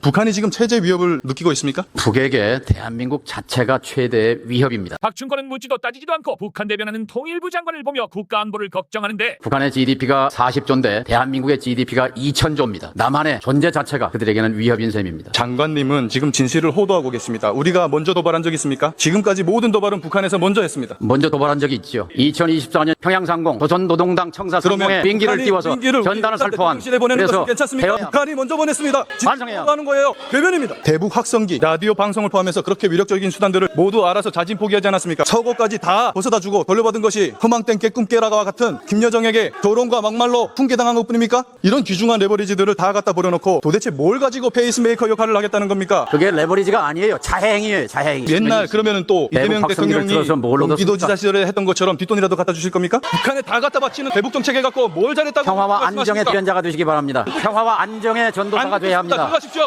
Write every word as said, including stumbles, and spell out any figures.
북한이 지금 체제 위협을 느끼고 있습니까? 북에게 대한민국 자체가 최대 위협입니다. 박충권은 묻지도 따지지도 않고 북한 대변하는 통일부 장관을 보며 국가 안보를 걱정하는데 북한의 지디피가 사십 조인데 대한민국의 지디피가 이천 조입니다. 남한의 존재 자체가 그들에게는 위협인 셈입니다. 장관님은 지금 진실을 호도하고 계십니다. 우리가 먼저 도발한 적 있습니까? 지금까지 모든 도발은 북한에서 먼저 했습니다. 먼저 도발한 적이 있죠. 이천이십사 년 평양상공 조선노동당 청사 상공에 비행기를 북한이 띄워서 비행기를 전단을 살포한 대통령실에 보내는 그래서 것은 괜찮습니까? 대화- 북한이 먼저 보냈습니다. 반성해요. 하는 거예요. 괴변입니다. 대북 확성기, 라디오 방송을 포함해서 그렇게 위력적인 수단들을 모두 알아서 자진 포기하지 않았습니까? 서고까지 다 벗어다 주고 돌려받은 것이 허망된 깨꿈 깨라가와 같은 김여정에게 조롱과 막말로 훈계당한 것뿐입니까? 이런 귀중한 레버리지들을 다 갖다 버려놓고 도대체 뭘 가지고 페이스메이커 역할을 하겠다는 겁니까? 그게 레버리지가 아니에요. 자해행위예요. 자해행위. 옛날 그러면은 또 대북 이재명 확성기를 대통령이 들어서 뭘 얻었습니까? 경기도지사 시절에 했던 것처럼 뒷돈이라도 갖다 주실 겁니까? 북한에 다 갖다 바치는 대북 정책 해갖고 뭘 잘했다고 평화와 안정의 말씀하십니까? 대변자가 되시기 바랍니다. 평화와 안정의 전도사가 안 돼야 합니다. 들어가십시오.